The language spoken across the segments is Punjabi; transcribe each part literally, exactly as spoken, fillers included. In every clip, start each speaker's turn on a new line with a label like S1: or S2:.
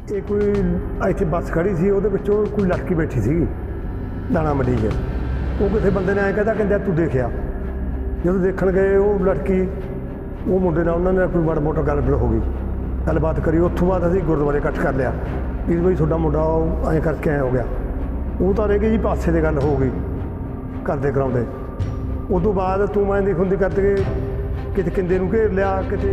S1: ਇਹ ਕੋਈ ਇੱਥੇ ਬੱਸ ਖੜੀ ਸੀ, ਉਹਦੇ ਵਿੱਚੋਂ ਕੋਈ ਲੜਕੀ ਬੈਠੀ ਸੀਗੀ ਦਾਣਾ ਮੰਡੀ 'ਚ। ਉਹ ਕਿਸੇ ਬੰਦੇ ਨੇ ਐਂ ਕਹਿੰਦਾ ਕਹਿੰਦਾ ਤੂੰ ਦੇਖਿਆ। ਜਦੋਂ ਦੇਖਣ ਗਏ ਉਹ ਲੜਕੀ ਉਹ ਮੁੰਡੇ ਨਾਲ ਉਹਨਾਂ ਨੇ ਕੋਈ ਮਾੜਾ ਮੋਟਾ ਗੱਲ ਹੋ ਗਈ, ਗੱਲਬਾਤ ਕਰੀ। ਉੱਥੋਂ ਬਾਅਦ ਅਸੀਂ ਗੁਰਦੁਆਰੇ ਇਕੱਠ ਕਰ ਲਿਆ ਵੀ ਬਈ ਤੁਹਾਡਾ ਮੁੰਡਾ ਉਹ ਐਂ ਕਰਕੇ ਐਂ ਹੋ ਗਿਆ। ਉਹ ਤਾਂ ਰਹਿ ਗਈ ਜੀ ਪਾਸੇ ਦੀ ਗੱਲ ਹੋ ਗਈ ਕਰਦੇ ਕਰਾਉਂਦੇ। ਉਸ ਤੋਂ ਬਾਅਦ ਤੂੰ ਮੈਂ ਦੀ ਹੁੰਦੀ ਕਰਕੇ ਕਿਤੇ ਕਿੰਦੇ ਨੂੰ ਘੇਰ ਲਿਆ, ਕਿਤੇ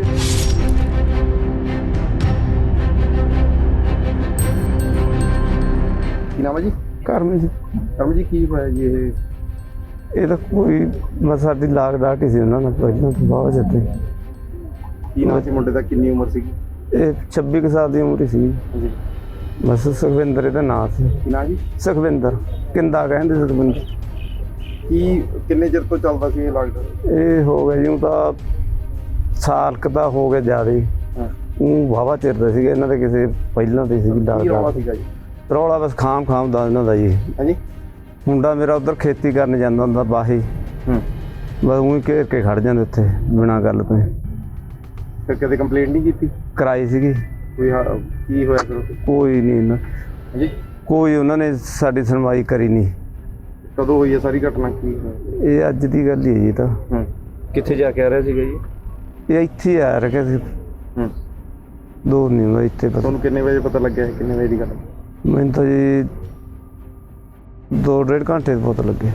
S2: ਕੀ ਨਾਮ ਹੈ ਜੀ?
S3: ਕਰਮ ਜੀ।
S2: ਕਰਮ ਜੀ, ਕੀ ਹੋਇਆ ਜੀ? ਇਹ
S3: ਇਹ ਤਾਂ ਕੋਈ ਬਸ ਸਾਡੀ ਲਾਗ ਡਾਟ ਹੀ ਸੀ ਉਹਨਾਂ ਨਾਲ ਪਹਿਲਾਂ ਤੋਂ ਬਹੁਤ ਜਿੱਤੇ।
S2: ਕੀ ਨਾਮ ਸੀ ਮੁੰਡੇ ਦਾ? ਕਿੰਨੀ ਉਮਰ ਸੀਗੀ?
S3: ਇਹ ਛੱਬੀ ਕੁ ਸਾਲ ਦੀ ਉਮਰ ਹੀ ਸੀ।
S2: ਜੀ
S3: ਬਸ ਸੁਖਵਿੰਦਰ ਇਹਦਾ ਨਾਂ ਸੀ।
S2: ਕੀ ਨਾਮ ਜੀ?
S3: ਸੁਖਵਿੰਦਰ, ਕਿੰਦਾ ਕਹਿੰਦੇ ਸੁਖਵਿੰਦਰ।
S2: ਕੀ ਕਿੰਨੇ ਚਿਰ ਤੋਂ ਚੱਲਦਾ ਸੀ ਇਹ ਲਾਕਡਾਊਨ?
S3: ਇਹ ਹੋ ਗਿਆ ਜੀ ਤਾਂ ਸਾਲ ਕੁ ਦਾ ਹੋ ਗਿਆ ਜ਼ਿਆਦਾ ਹੀ।
S2: ਹਾਂ,
S3: ਉਹ ਵਾਹਵਾ ਚਿਰ ਦਾ ਸੀਗਾ ਇਹਨਾਂ ਦੇ ਕਿਸੇ ਪਹਿਲਾਂ ਤੇ ਸੀਗੀ ਲਾਗ
S2: ਕੀ ਰੌਲਾ
S3: ਡਾਟ।
S2: ਸੀਗਾ ਜੀ?
S3: ਰੌਲਾ ਬਸ ਖਾਮ ਖਾਮ ਦਾ ਇਹਨਾਂ ਦਾ ਜੀ।
S2: ਹਾਂਜੀ।
S3: ਮੁੰਡਾ ਮੇਰਾ ਉੱਧਰ ਖੇਤੀ ਕਰਨ ਜਾਂਦਾ ਹੁੰਦਾ ਬਾਹੀ,
S2: ਹੂੰ,
S3: ਬਸ ਉਹੀ ਘੇਰ ਕੇ ਖੜ ਜਾਂਦੇ ਉੱਥੇ ਬਿਨਾਂ ਗੱਲ ਤੋਂ।
S2: ਫਿਰ ਕਦੇ ਕੰਪਲੇਂਟ ਨਹੀਂ ਕੀਤੀ?
S3: ਕਰਾਈ ਸੀਗੀ,
S2: ਕੋਈ ਹਾਂ, ਕੀ ਹੋਇਆ ਫਿਰ ਉੱਥੇ?
S3: ਕੋਈ ਨਹੀਂ ਇਹਨਾਂ
S2: ਹਾਂਜੀ।
S3: ਕੋਈ ਉਹਨਾਂ ਨੇ ਸਾਡੀ ਸੁਣਵਾਈ ਕਰੀ ਨਹੀਂ।
S2: ਕਦੋਂ ਹੋਈ ਹੈ ਸਾਰੀ ਘਟਨਾ? ਕੀ ਹੋਇਆ?
S3: ਇਹ ਅੱਜ ਦੀ ਗੱਲ ਹੀ ਹੈ ਜੀ। ਤਾਂ
S2: ਹੂੰ, ਕਿੱਥੇ ਜਾ ਕੇ ਆ ਰਿਹਾ ਸੀਗਾ ਜੀ?
S3: ਇਹ ਇੱਥੇ ਹੀ ਆ ਰਿਹਾ ਸੀ,
S2: ਹੂੰ,
S3: ਦੂਰ ਨਹੀਂ ਹੁੰਦਾ ਇੱਥੇ। ਪਤਾ
S2: ਤੁਹਾਨੂੰ ਕਿੰਨੇ ਵਜੇ ਪਤਾ ਲੱਗਿਆ? ਕਿੰਨੇ ਵਜੇ ਦੀ ਗੱਲ?
S3: ਮੈਨੂੰ ਤਾਂ ਜੀ ਦੋ ਡੇਢ ਘੰਟੇ ਦੇ ਪਤਾ ਲੱਗੇ।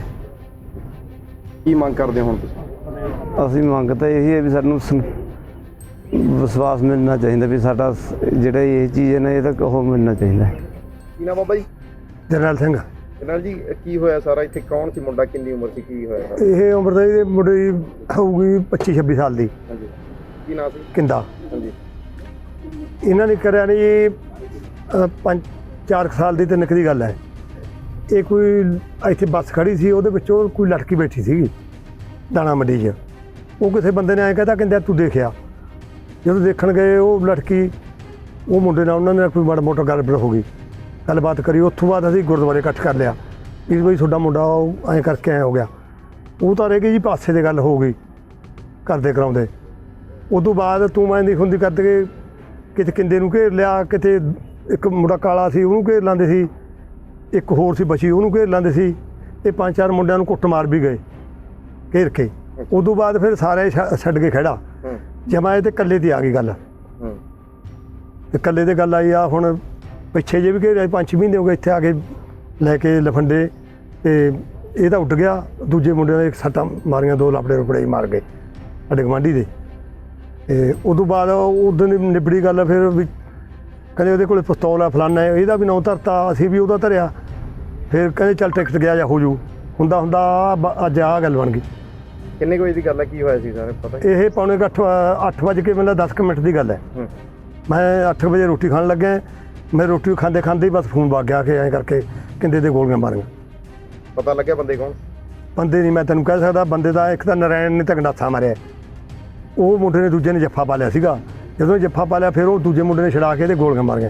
S2: ਕੀ ਮੰਗ ਕਰਦੇ ਹੋ ਹੁਣ ਤੁਸੀਂ?
S3: ਅਸੀਂ ਮੰਗ ਤਾਂ ਇਹੀ ਹੈ ਵੀ ਸਾਨੂੰ ਸ- ਵਿਸ਼ਵਾਸ ਮਿਲਣਾ ਚਾਹੀਦਾ ਵੀ ਸਾਡਾ ਸ- ਜਿਹੜਾ ਇਹ ਚੀਜ਼ ਹੈ ਨਾ ਇਹ ਤਾਂ ਉਹ ਮਿਲਣਾ ਚਾਹੀਦਾ।
S2: ਕੀ ਨਾਮ ਬਾਬਾ ਜੀ?
S1: ਜਰਨੈਲ ਸਿੰਘ।
S2: ਜਰਨੈਲ ਜੀ, ਕੀ ਹੋਇਆ ਸਾਰਾ? ਇੱਥੇ ਕੌਣ ਸੀ ਮੁੰਡਾ? ਕਿੰਨੀ ਉਮਰ ਸੀ? ਕੀ ਹੋਇਆ ਸਾਰਾ?
S1: ਇਹ ਉਮਰ ਦਾ ਇਹਦੇ ਮੁੰਡੇ ਦੀ ਹੋਊਗੀ ਪੱਚੀ ਛੱਬੀ ਸਾਲ ਦੀ।
S2: ਹਾਂਜੀ। ਕੀ ਨਾਮ ਸੀ?
S1: ਕਿੰਦਾ।
S2: ਹਾਂਜੀ।
S1: ਇਹਨਾਂ ਨੇ ਕਰਿਆ ਨਹੀਂ ਜੀ ਅ, ਪੰਜ ਚਾਰ ਕੁ ਸਾਲ ਦੀ ਤਿੰਨ ਕੁ ਦੀ ਗੱਲ ਹੈ। ਇਹ ਕੋਈ ਇੱਥੇ ਬੱਸ ਖੜੀ ਸੀ, ਉਹਦੇ ਵਿੱਚੋਂ ਕੋਈ ਲੜਕੀ ਬੈਠੀ ਸੀਗੀ ਦਾਣਾ ਮੰਡੀ 'ਚ। ਉਹ ਕਿਸੇ ਬੰਦੇ ਨੇ ਐਂ ਕਹਿੰਦਾ ਕਹਿੰਦਾ ਤੂੰ ਦੇਖਿਆ। ਜਦੋਂ ਦੇਖਣ ਗਏ ਉਹ ਲੜਕੀ ਉਹ ਮੁੰਡੇ ਨਾਲ ਉਹਨਾਂ ਨੇ ਕੋਈ ਮਾੜਾ ਮੋਟਾ ਗੱਲ ਹੋ ਗਈ, ਗੱਲਬਾਤ ਕਰੀ। ਉੱਥੋਂ ਬਾਅਦ ਅਸੀਂ ਗੁਰਦੁਆਰੇ ਇਕੱਠ ਕਰ ਲਿਆ ਵੀ ਬਈ ਤੁਹਾਡਾ ਮੁੰਡਾ ਉਹ ਐਂ ਕਰਕੇ ਐਂ ਹੋ ਗਿਆ। ਉਹ ਤਾਂ ਰਹਿ ਗਈ ਜੀ ਪਾਸੇ ਦੀ ਗੱਲ ਹੋ ਗਈ ਕਰਦੇ ਕਰਾਉਂਦੇ। ਉਸ ਤੋਂ ਬਾਅਦ ਤੂੰ ਮੈਂ ਦੀ ਹੁੰਦੀ ਕਰਦੇ ਕਿਤੇ ਕਿੰਦੇ ਨੂੰ ਘੇਰ ਲਿਆ, ਕਿਤੇ ਇੱਕ ਮੁੰਡਾ ਕਾਲਾ ਸੀ ਉਹਨੂੰ ਘੇਰ ਲੈਂਦੇ ਸੀ, ਇੱਕ ਹੋਰ ਸੀ ਬਚੀ ਉਹਨੂੰ ਘੇਰ ਲੈਂਦੇ ਸੀ। ਇਹ ਪੰਜ ਚਾਰ ਮੁੰਡਿਆਂ ਨੂੰ ਕੁੱਟਮਾਰ ਵੀ ਗਏ ਘੇਰ ਕੇ। ਉਸ ਤੋਂ ਬਾਅਦ ਫਿਰ ਸਾਰੇ ਛ- ਛੱਡ ਕੇ ਖੜਾ ਜਮਾ ਇਹ ਤੇ ਇਕੱਲੇ ਦੀ ਆ ਗਈ ਗੱਲ।
S2: ਹੂੰ,
S1: ਤੇ ਇਕੱਲੇ ਤੇ ਗੱਲ ਆਈ ਆ ਹੁਣ ਪਿੱਛੇ ਜੇ ਵੀ ਘੇਰਿਆ ਪੰਜ ਛੇ ਮਹੀਨੇ ਹੋ ਗਏ ਇੱਥੇ ਆ ਕੇ ਲੈ ਕੇ ਲਫੰਡੇ। ਤੇ ਇਹ ਤਾਂ ਉੱਡ ਗਿਆ, ਦੂਜੇ ਮੁੰਡਿਆਂ ਨੇ ਇੱਕ ਸੱਟਾਂ ਮਾਰੀਆਂ, ਦੋ ਲਾਪੜੇ ਰੁਪੜੇ ਮਾਰ ਗਏ ਸਾਡੇ ਗੁਆਂਢੀ ਦੇ। ਤੇ ਉਸ ਤੋਂ ਬਾਅਦ ਉਦੋਂ ਦੀ ਨਿਬੜੀ ਗੱਲ ਫਿਰ ਵੀ ਕਹਿੰਦੇ ਉਹਦੇ ਕੋਲ ਪਿਸਤੌਲ ਆ ਫਲਾਨਾ ਹੈ, ਇਹਦਾ ਵੀ ਨਾਂ ਧਰਤਾ, ਅਸੀਂ ਵੀ ਉਹਦਾ ਧਰਿਆ। ਫਿਰ ਕਹਿੰਦੇ ਚੱਲ ਟਿਕਟ ਗਿਆ ਜਾਂ ਹੋ ਜੂ। ਹੁੰਦਾ ਹੁੰਦਾ ਆਹ ਅੱਜ ਆਹ ਗੱਲ ਬਣ ਗਈ।
S2: ਕਿੰਨੇ ਕੁ ਵਜੇ ਦੀ ਗੱਲ ਹੈ? ਕੀ ਹੋਇਆ ਸੀ ਸਾਰੇ ਪਤਾ?
S1: ਇਹ ਪੌਣੇ ਕੁ ਅੱਠ ਅੱਠ ਵਜੇ ਕੇ ਮਤਲਬ ਦਸ ਕੁ ਮਿੰਟ ਦੀ ਗੱਲ ਹੈ।
S2: ਹੂੰ,
S1: ਮੈਂ ਅੱਠ ਵਜੇ ਰੋਟੀ ਖਾਣ ਲੱਗਿਆ, ਮੈਂ ਰੋਟੀ ਖਾਂਦੇ ਖਾਂਦੇ ਹੀ ਬਸ ਫੋਨ ਵੱਗ ਗਿਆ ਕਿ ਐਂ ਕਰਕੇ ਕਿੰਦੇ ਦੇ ਗੋਲੀਆਂ ਮਾਰੀਆਂ।
S2: ਪਤਾ ਲੱਗਿਆ ਬੰਦੇ ਕੌਣ?
S1: ਬੰਦੇ ਨਹੀਂ ਮੈਂ ਤੈਨੂੰ ਕਹਿ ਸਕਦਾ। ਬੰਦੇ ਦਾ ਇੱਕ ਤਾਂ ਨਰੈਣ ਨੇ ਤਾਂ ਗੰਡਾਸਾ ਮਾਰਿਆ, ਉਹ ਮੁੰਡੇ ਨੇ ਦੂਜੇ ਨੇ ਜੱਫਾ ਪਾ ਲਿਆ ਸੀਗਾ। ਜਦੋਂ ਜੱਫਾ ਪਾ ਲਿਆ ਫਿਰ ਉਹ ਦੂਜੇ ਮੁੰਡੇ ਨੇ ਛਡਾ ਕੇ ਤੇ ਗੋਲੀਆਂ ਮਾਰੀਆਂ।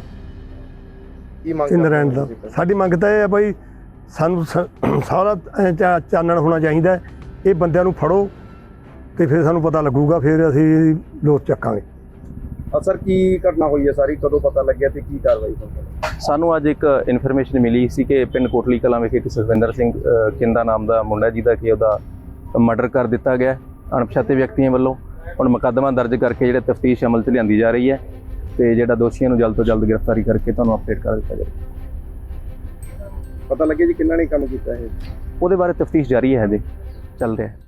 S2: ਕੀ ਮੰਗ
S1: ਇਹ
S2: ਕਰਦੇ
S1: ਨਰੈਣ
S2: ਹੋ
S1: ਦਾ
S2: ਤੁਸੀਂ?
S1: ਸਾਡੀ ਮੰਗ ਤਾਂ ਇਹ ਹੈ ਬਈ ਸਾਨੂੰ ਸ- ਸਾਰਾ ਐਂ ਚਾ- ਚਾਨਣ ਹੋਣਾ ਚਾਹੀਦਾ। ਇਹ ਬੰਦਿਆਂ ਨੂੰ ਫੜੋ ਤੇ ਫਿਰ ਸਾਨੂੰ ਪਤਾ ਲੱਗੂਗਾ, ਫਿਰ ਅਸੀਂ ਲੋਕ ਚੱਕਾਂਗੇ।
S2: ਅਸਰ ਕੀ ਘਟਨਾ ਹੋਈ ਹੈ ਸਾਰੀ? ਕਦੋਂ ਪਤਾ ਲੱਗਿਆ ਤੇ ਕੀ ਕਾਰਵਾਈ ਹੋਈ?
S4: ਸਾਨੂੰ ਅੱਜ ਇੱਕ ਇਨਫੋਰਮੇਸ਼ਨ ਮਿਲੀ ਸੀ ਕਿ ਪਿੰਡ ਕੋਟਲੀ ਕਲਾਂ ਵਿਖੇ ਇੱਕ ਸੁਖਵਿੰਦਰ ਸਿੰਘ ਅ, ਕਿੰਦਾ ਨਾਮ ਦਾ ਮੁੰਡਾ ਜਿਹਦਾ ਕਿ ਉਹਦਾ ਮਰਡਰ ਕਰ ਦਿੱਤਾ ਗਿਆ ਅਣਪਛਾਤੇ ਵਿਅਕਤੀਆਂ ਵੱਲੋਂ। ਹੁਣ ਮੁਕੱਦਮਾ ਦਰਜ ਕਰਕੇ ਜਿਹੜਾ ਤਫਤੀਸ਼ ਅਮਲ 'ਚ ਲਿਆਂਦੀ ਜਾ ਰਹੀ ਹੈ ਤੇ ਜਿਹੜਾ ਦੋਸ਼ੀਆਂ ਨੂੰ ਜਲਦ ਤੋਂ ਜਲਦ ਗ੍ਰਿਫਤਾਰੀ ਕਰਕੇ ਤੁਹਾਨੂੰ ਅਪਡੇਟ ਕਰ ਦਿੱਤਾ ਜਾਵੇ।
S2: ਪਤਾ ਲੱਗਿਆ ਜੀ ਕਿੰਨਾ ਨੇ ਕੰਮ ਕੀਤਾ ਇਹ?
S4: ਉਹਦੇ ਬਾਰੇ ਤਫਤੀਸ਼ ਜਾਰੀ ਹੈ, ਹਜੇ ਚੱਲ ਰਿਹਾ ਹੈ।